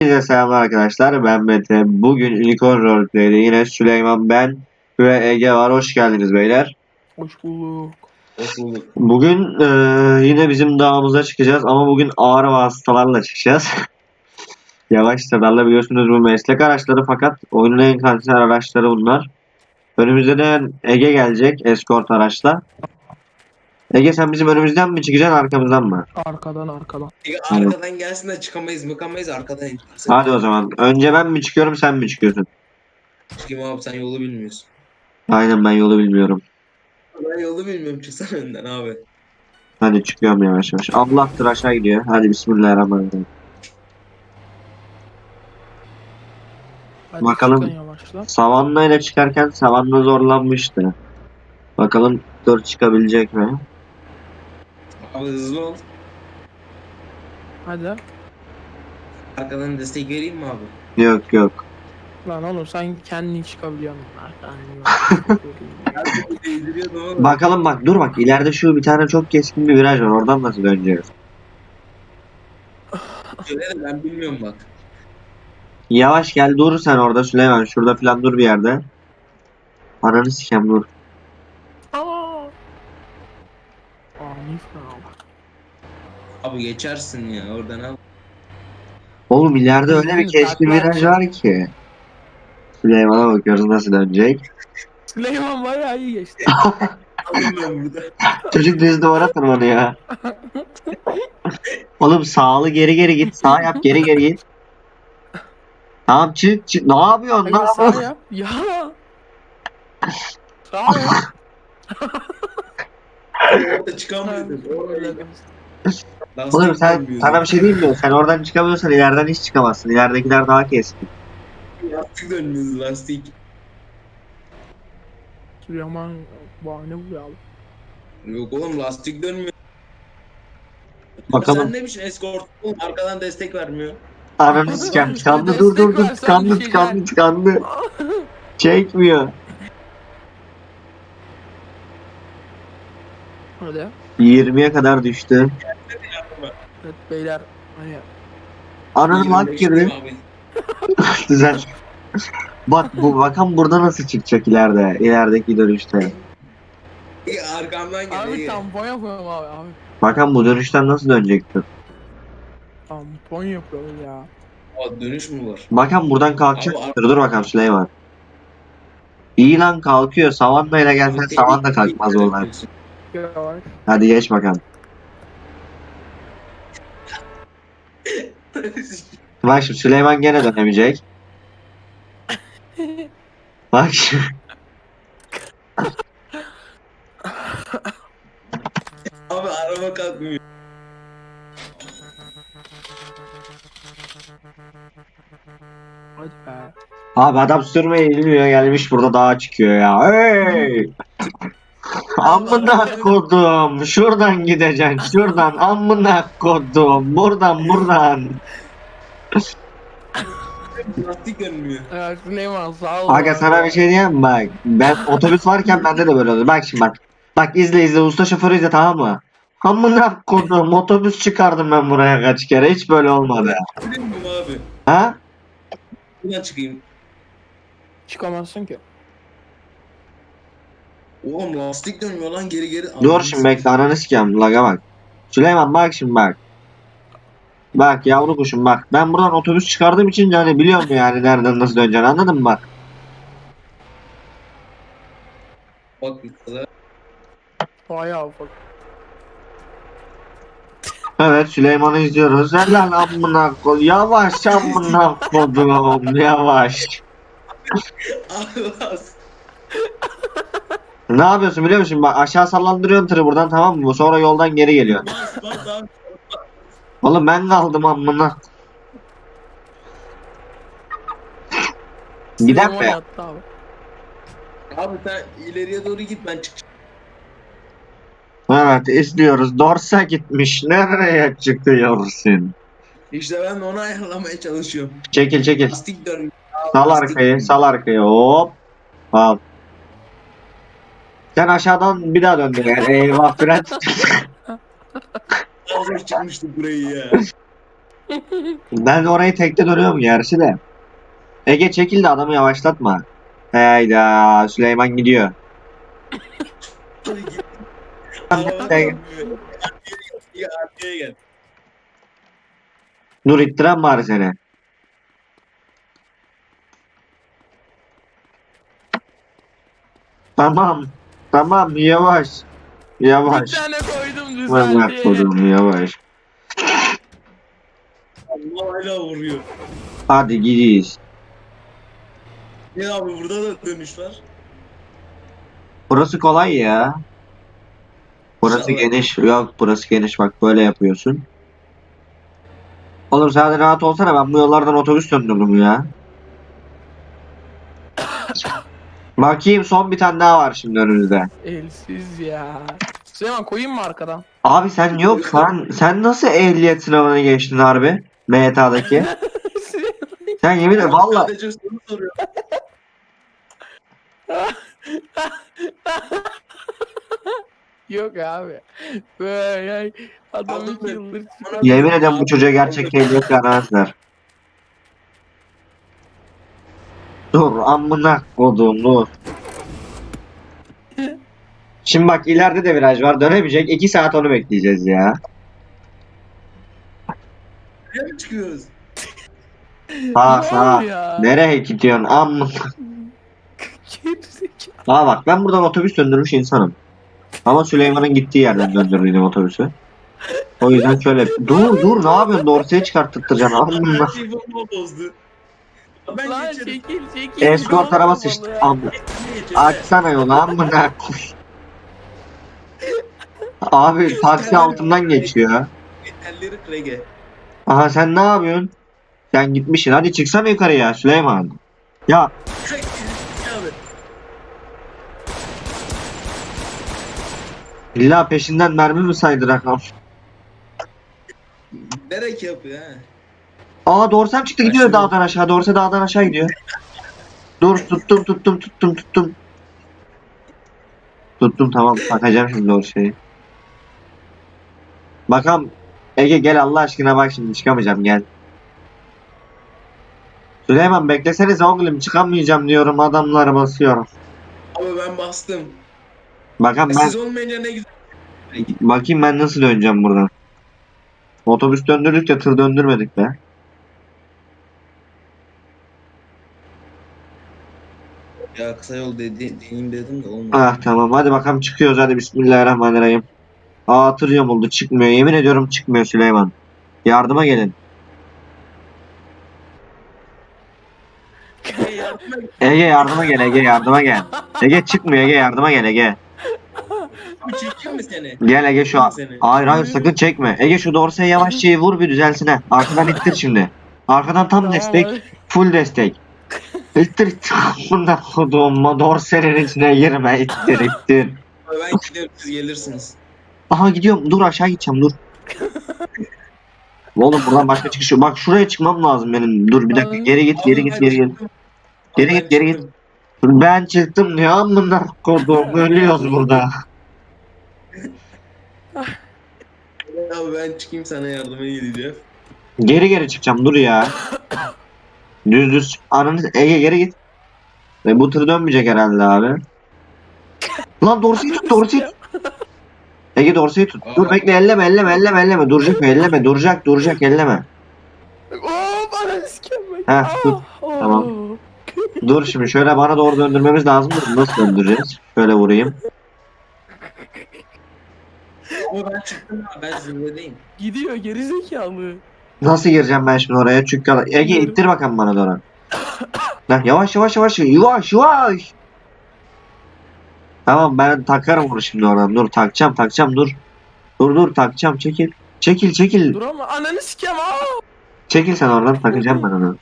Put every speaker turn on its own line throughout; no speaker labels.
Herkese selamlar arkadaşlar. Ben Mete. Bugün Unicorn Roleplay'de yine Süleyman, ben ve Ege var. Hoş geldiniz beyler.
Hoş bulduk.
Hoş bulduk.
Bugün yine bizim dağımıza çıkacağız ama bugün ağır vasıtalarla çıkacağız. Yavaş sedarla biliyorsunuz bu meslek araçları, fakat oyunun en kaliteli araçları bunlar. Önümüzde de Ege gelecek eskort araçla. Ege, sen bizim önümüzden mi çıkacaksın, arkamızdan mı?
Arkadan.
Arkadan gelsin de çıkamayız arkadan ineceğiz.
Hadi o zaman. Önce ben mi çıkıyorum, sen mi çıkıyorsun?
Çıkayım abi, sen yolu bilmiyorsun.
Aynen, ben yolu bilmiyorum.
Ben yolu bilmiyorum, çıksana önden abi.
Hadi çıkıyorum yavaş yavaş. Allah'tır, aşağı gidiyor. Hadi bismillahirrahmanirrahim.
Hadi
Bakalım.
çıkın yavaşla.
Savanna ile çıkarken Savanna zorlanmıştı. Bakalım dur çıkabilecek mi?
Abi hızlı ol.
Hadi.
Arkadan destek vereyim mi abi?
Yok yok.
Lan oğlum sen kendin çıkabiliyorsun.
Ben değdiriyordum ama.
Bakalım, bak dur, bak ileride şu bir tane çok keskin bir viraj var. Oradan nasıl döneceğiz?
Şöyle de ben bilmiyorum bak.
Yavaş gel, dur sen orada Süleyman. Şurada falan dur bir yerde. Ananı sikem, dur.
Aa. Ani falan.
Abi geçersin ya oradan al.
Oğlum ileride öyle bir keskin viraj var ki. Süleyman'a bakıyoruz nasıl dönecek.
Süleyman bayağı iyi geçti.
Alın ben burada.
Çocuk düz duvara tırmanıyor. Oğlum sağlı geri geri git. Sağ yap, geri geri git. Tamam, çık çık. Ne yapıyorsun? Ne
Hadi sağ
yapıyorsun?
yap. Ya. Sağ yap.
Orada çıkamıyordum.
Oğlum sana bir şey diyeyim mi? Sen oradan çıkamıyorsan ileriden hiç çıkamazsın. İleridekiler daha keskin.
Lastik dönmüyordu, lastik.
Süleyman bahane bu ya.
Yok oğlum, lastik dönmüyor.
Bakalım.
Sen ne biçim eskort oğlum, arkadan destek vermiyor.
Ananı sikem. Tıkandı,
Destek
dur dur dur.
versen
Tıkandı
düşeceksin.
tıkandı tıkandı. Çekmiyor.
Hadi.
20'ye kadar düştü.
Evet beyler. Hani
Ananı lak
25
girdi.
abi.
Güzel. Bak bu bakan burada nasıl çıkacak ileride. İlerideki dönüşte.
Arkamdan gel.
abi
iyi.
tampon yapıyorum abi.
Bakan bu dönüşten nasıl dönecektir?
Tampon yapıyoruz ya.
Aa, dönüş mü var?
Bakan buradan kalkacak.
Abi,
Dur bakalım Süleyman. İyi lan, kalkıyor. Savanna ile gelsen Savanna kalkmaz oradan.
Yavaş.
Hadi geç bakalım. Bak şimdi Süleyman gene dönemeyecek. Bak şimdi.
Abi araba kalkmıyor.
Hadi be.
Abi adam sürmeyi bilmiyor, gelmiş burada dağa çıkıyor ya. Hey! Amına kodum. Şuradan gideceksin. Şuradan. Amına kodum. Buradan.
Lastik dönmüyor.
Evet Süleyman sağ ol.
Aga sana bir şey diyeyim mi? Bak. Ben otobüs varken bende de böyle oldu. Bak şimdi bak. Bak izle usta şoförü izle, tamam mı? Amına kodum, otobüs çıkardım ben buraya kaç kere. Hiç böyle olmadı.
Biliyor musun abi?
Ha?
Buradan çıkayım.
Çıkamazsın ki.
Oğlum lastik dönmüyor lan, geri.
Dur şimdi bekle, ananı sikeyim. Laga bak. Süleyman bak şimdi bak. Bak yavru kuşum bak. Ben buradan otobüs çıkardığım için yani biliyorum yani nereden nasıl döneceğini, anladın mı bak.
Bak bir kaza.
Bayağı ufak.
Evet, Süleyman'ı izliyoruz. Helal amına kod. Yavaş amına kodum. Yavaş.
Allah.
Ne yapıyorsun biliyor musun? Bak aşağı sallandırıyorsun tırı buradan, tamam mı? Sonra yoldan geri geliyor.
Bas abi.
Oğlum ben kaldım amına. Gidelim
Süleyman
mi?
yattı abi.
Abi sen ileriye doğru git, ben çıkacağım.
Evet izliyoruz. Dorsa gitmiş. Nereye çıkıyorsun?
İşte ben de onu ayarlamaya çalışıyorum.
Çekil.
Lastik dönmüyor.
Sal
Lastik
arkayı.
dönmüyor.
Sal arkayı. Hop. Al. Sen aşağıdan bir daha döndün yani. Eyvah fren.
Hazır çıkmıştık burayı ya.
Ben orayı tekte dönüyorum gerçi de. Ege çekil de adamı yavaşlatma. Hayda Süleyman gidiyor.
Hadi git.
Sen-
Ya arkaya gel.
Dur ittiren bari seni. Tamam. Tamam yavaş.
Bir
Yavaş.
tane koydum
Bak
düzeldi.
koydum yavaş.
Allah hala vuruyor.
Hadi gidiyiz.
Ya abi burada da dönüş var.
Burası kolay ya. Burası
İnşallah.
geniş. Yok burası geniş bak böyle yapıyorsun. Oğlum sen de rahat olsana ben bu yollardan otobüs döndürdüm ya. Bakayım son bir tane daha var şimdi önümüzde.
Elsiz ya. Süleyman koyayım mı arkadan?
Abi sen yok sen nasıl ehliyet sınavına geçtin harbi? MTA'daki. Sen yemin ederim valla
Sadece soru soruyor.
Yok abi. Böyle adam
Aldım
2
ben.
yıldır
yemin ederim bu çocuğa gerçek ehliyet vermezler. Dur amına kodum dur. Şimdi bak ileride de viraj var dönemeyecek 2 saat onu bekleyeceğiz ya.
Nereye mi çıkıyoruz?
Sağ
Ne
sağ.
oldu ya?
Nereye gidiyorsun amına?
Gerizekalı.
Aa bak ben buradan otobüs döndürmüş insanım. Ama Süleyman'ın gittiği yerden döndürdüm otobüsü. O yüzden şöyle dur ne yapıyorsun dorsaya çıkarttıracaksın amına.
Telefonumu bozdu. Ben
Lan
geçerim.
çekil.
Escort araba sıçtı. Açsana yolu amına. Abi taksi altından geçiyor.
Elleri krege.
Aha sen ne yapıyorsun? Sen gitmişsin. Hadi çıksana yukarıya Süleyman. Ya
Abi.
illa peşinden mermi mi saydırak?
Nerek yapıyor ha?
Aa Dorsem çıktı gidiyor dağdan aşağı. Dorse dağdan aşağı gidiyor. Dur tuttum. Tuttum tamam bakacağım şimdi Dorse'yi. Bakalım Ege gel Allah aşkına bak şimdi çıkamayacağım gel. Süleyman beklesenize oğlum çıkamayacağım diyorum adamlara basıyorum.
Abi ben bastım.
Bakalım ben
Siz olmayınca ne güzel.
bakayım ben nasıl döneceğim buradan. Otobüs döndürdük de tır döndürmedik be.
Ya kısa yol deneyim dedim de olmadı.
Ah tamam hadi bakalım çıkıyoruz hadi bismillahirrahmanirrahim. Aa tır yamuldu çıkmıyor yemin ediyorum çıkmıyor Süleyman. Yardıma gelin.
Hey yardıma git.
Ege yardıma gel Ege yardıma gel. Ege çıkmıyor Ege yardıma gel Ege.
Abi çekeyim mi seni?
Gel Ege şu an.
Seni.
Hayır sakın çekme. Ege şu dorsaya yavaşça vur bir düzelsin ha. Arkadan ittir şimdi. Arkadan tam destek. Full destek. İttir. Bunda koduğum dorsenin içine girme. İttir.
Abi ben gidiyorum siz gelirsiniz.
Aha gidiyorum. Dur aşağı gideceğim dur. Oğlum buradan başka çıkış yok. Bak şuraya çıkmam lazım benim. Dur bir dakika geri git.
Abi ben çıktım. Abi
Geri
ben
git, geri git.
çıktım.
Dur, ben çıktım diyor. Amına koduğum. Ölüyoruz burada.
Abi ben çıkayım sana yardıma gideceğim.
Geri çıkacağım. Dur ya. Düz. Ananı Ege geri git. Bu tır dönmeyecek herhalde abi. Lan dorseyi tut. Ege dorseyi tut. Dur bekle elleme. Duracak elleme.
Oo bana sikemmek.
Heh, dur. Tamam. Dur şimdi şöyle bana doğru döndürmemiz lazım. Nasıl döndüreceğiz? Şöyle vurayım.
Ama ben çıktım abi ben zirvedeyim.
Gidiyor gerizekalı.
Nasıl gireceğim ben şimdi oraya? Çünkü Ege
Bilmiyorum.
ittir bakalım bana doğru. Lan yavaş. Tamam ben takarım bunu şimdi oradan. Dur takacağım dur. Dur takacağım çekil.
Dur ama ananı sikem
Çekil sen oradan takacağım ben onu.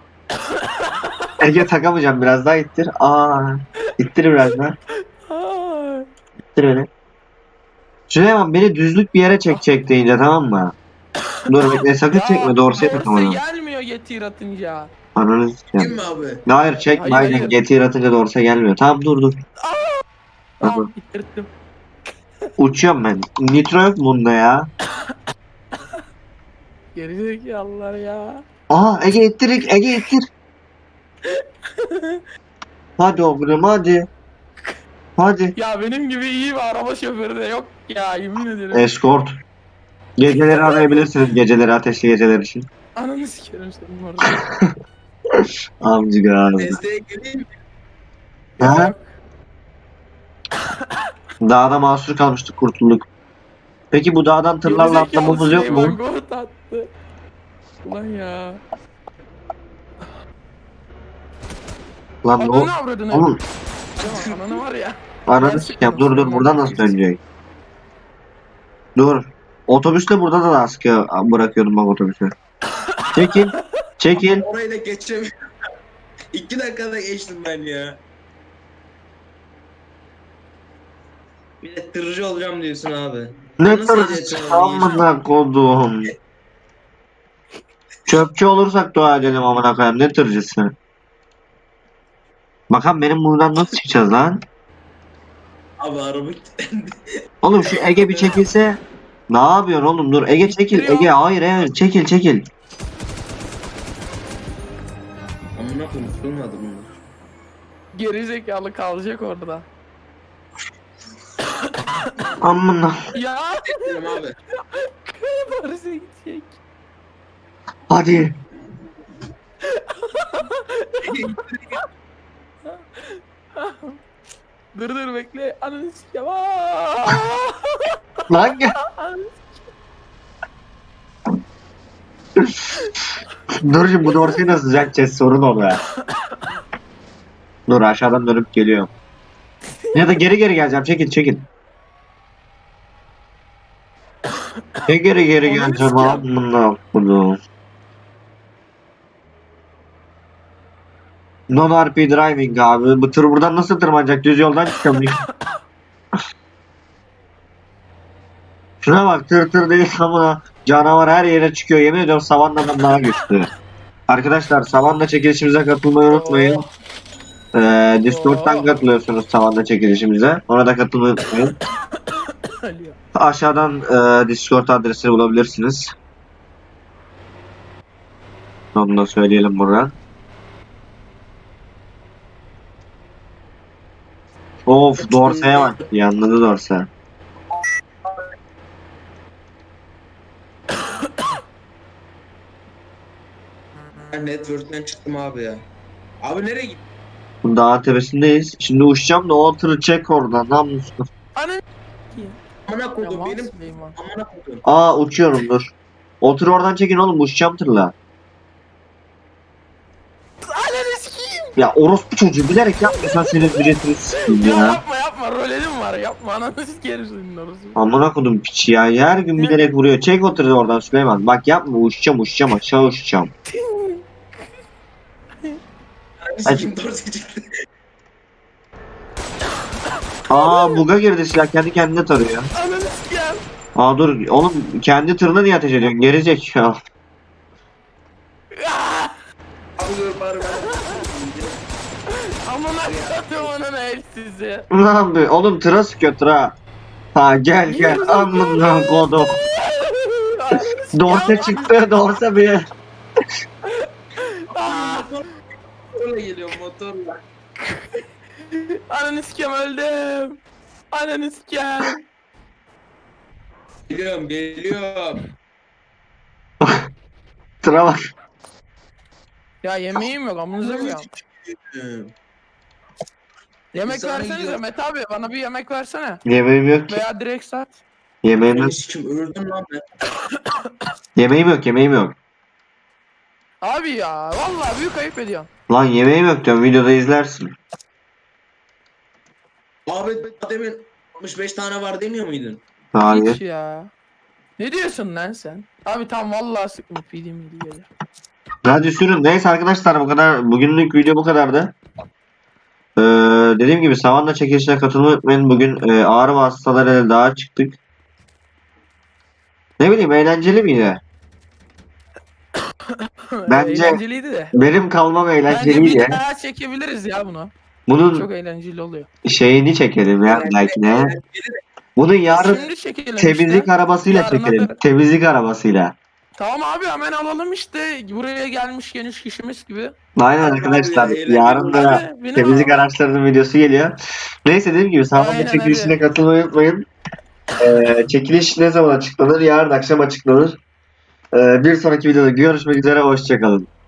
Ege takamayacağım biraz daha ittir. İttir biraz daha. İttir beni. Süleyman beni düzlük bir yere çekecek deyince tamam mı? Dur bekle sakın çekme dorsaya takamadım.
Gelmiyor getir atınca.
Ananı
Kim
sikeyim.
mi abi?
Hayır çekme
Hayır.
aynen getir atınca dorsa gelmiyor. Tamam dur.
Tamam bitirdim.
Uçuyorum ben. Nitro yok mu bunda ya?
Gerizekalılar ya.
Aha Ege ittir, Ege ittir. Hadi oğlum hadi. Hadi.
Ya benim gibi iyi bir araba şoförü de yok ya, yemin ederim.
Escort. Geceleri arayabilirsiniz. Geceleri, ateşli geceler için.
Ananı sikerim senin orada.
Amcık ağzı.
Desteğe geleyim mi?
Ha? Dağda mahsur kalmıştık, kurtulduk. Peki bu dağdan tırlarla
Gerizekalı
atlamamız yok
Süleyman
mu?
Goat attı. Ulan ya.
Lan ne
Ananı
oldu?
avradını.
Oğlum
Süleyman, ananı var ya.
ananı sikeyim. Dur buradan nasıl dönecek? Dur. Otobüsle burada da askıya bırakıyordum bak otobüsü. Çekil. Çekil.
Orayı da geçemiyorum. 2 dakikada geçtim ben ya. Bir de tırcı olacağım diyorsun abi.
Ne
Nasıl
tırcı
geçeceğim?
amına kodum. Çöpçü olursak dua edelim amına koyayım. Ne tırcısı? Bakalım benim buradan nasıl çıkacağız lan?
Abi araba kilitlendi.
Oğlum şu Ege bir çekilse. Ne yapıyorsun oğlum? Dur Ege çekil. Ege hayır evet çekil çekil.
Amına koyayım tutulmadı bunlar.
Gerizekalı kalacak orada.
Amına.
Ya.
Dedim abi.
Paris'e gidecek.
Hadi.
Dur bekle. Ananı sikeyim. Aa!
Lan gel. Dur şimdi bu dorseyi nasıl düzelteceğiz sorun orada. Dur aşağıdan dönüp geliyorum. Ya da geri geleceğim çekil çekil. Ne geri geleceğim amına kodum. Non-RP driving abi. Bu tır buradan nasıl tırmanacak? Düz yoldan çıkamıyor. Şuna bak tır değil amına. Canavar her yere çıkıyor. Yemin ediyorum Savannah'dan daha güçlü. Arkadaşlar Savanna çekilişimize katılmayı unutmayın. Discord'dan
Oo.
katılıyorsunuz Savanna çekilişimize. Ona da katılmayı unutmayın.
Ölüyor.
Aşağıdan Discord adresini bulabilirsiniz. Onu da söyleyelim buradan. Of Dorse'ye bak. Yanladı Dorse.
Ben network'ten çıktım abi ya. Abi nereye gittin?
Bu dağın tepesindeyiz. Şimdi uçacağım da o tırı çek oradan. Namussuz.
Ananı
Amına
sikeyim.
koydum
Yaman
benim.
Süleyman.
Amına koydum.
Aa uçuyorum dur. O tırı oradan çekin oğlum uçacağım tırla.
Ananı sikeyim.
Ya orospu çocuğu bilerek yapmasan senin ücretini sikeyim
Ya
ya.
yapma rolelim var, yapma, ananı sikerim senin orası.
Amına kodum piç ya. Her gün bilerek vuruyor. Çek o tırı oradan Süleyman. Bak yapma uçacağım aşağı uçacağım. Hadi.
Sikim dorsi çıktı.
Aa buga girdi silah kendi kendine tarıyor.
Ananı sikeyim.
Aa dur oğlum kendi tırına niye ateş ediyorsun? Gerizek ya.
Abi dur bari ben.
Amına koydum ananı el sizi.
Ne yapıyor? Oğlum tıra sıkıyor tıra. Ha gel amına kodum. Dorse çıktı dorse bir.
Motorla geliyorum motorla.
Ananı sikeyim, öldüm. Ananı sikeyim.
Geliyorum.
Tıra bak.
Ya yemeğim yok, amınıza koyayım. Yemek
İnsanı
versenize
yiyor.
Mete abi, bana bir yemek versene.
Yemeğim yok ki.
Veya direkt sat.
Yemeğim yok.
Beni sikim öldüm lan ben.
Yemeğim yok.
Abi ya vallahi büyük ayıp ediyorsun.
Lan yemeğim yok diyorum videoda izlersin.
Abi demin 65 tane var demiyor muydun?
Hayır.
Hiç ya. Ne diyorsun lan sen? Abi tam vallahi sıkma PD miydi gelir.
Hadi sürün. Neyse arkadaşlar bu kadar. Bugünlük video bu kadardı. Dediğim gibi Savanna çekilişine katılmayı unutmayın. Bugün ağrı vasıtalarıyla dağa çıktık. Ne bileyim eğlenceli miydi? Bence-
Eğlenceliydi de.
Benim kalmam
Bence
eğlenceliydi.
bir daha çekebiliriz ya bunu.
Bunun
Çok eğlenceli oluyor.
şeyini çekelim ya belki de. Bunu yarın
Şimdi çekelim
temizlik
işte.
arabasıyla
Yarına
çekelim.
kadar.
Temizlik arabasıyla.
Tamam abi hemen alalım işte. Buraya gelmişken 3 kişimiz gibi.
Aynen
Abi
arkadaşlar.
ya,
Yarın da
Hadi, binin
temizlik
abi.
araçlarının videosu geliyor. Neyse dediğim gibi sağlık
Aynen,
çekilişine
hadi.
katılmayı unutmayın. Çekiliş ne zaman açıklanır? Yarın akşam açıklanır. Bir sonraki videoda görüşmek üzere. Hoşçakalın.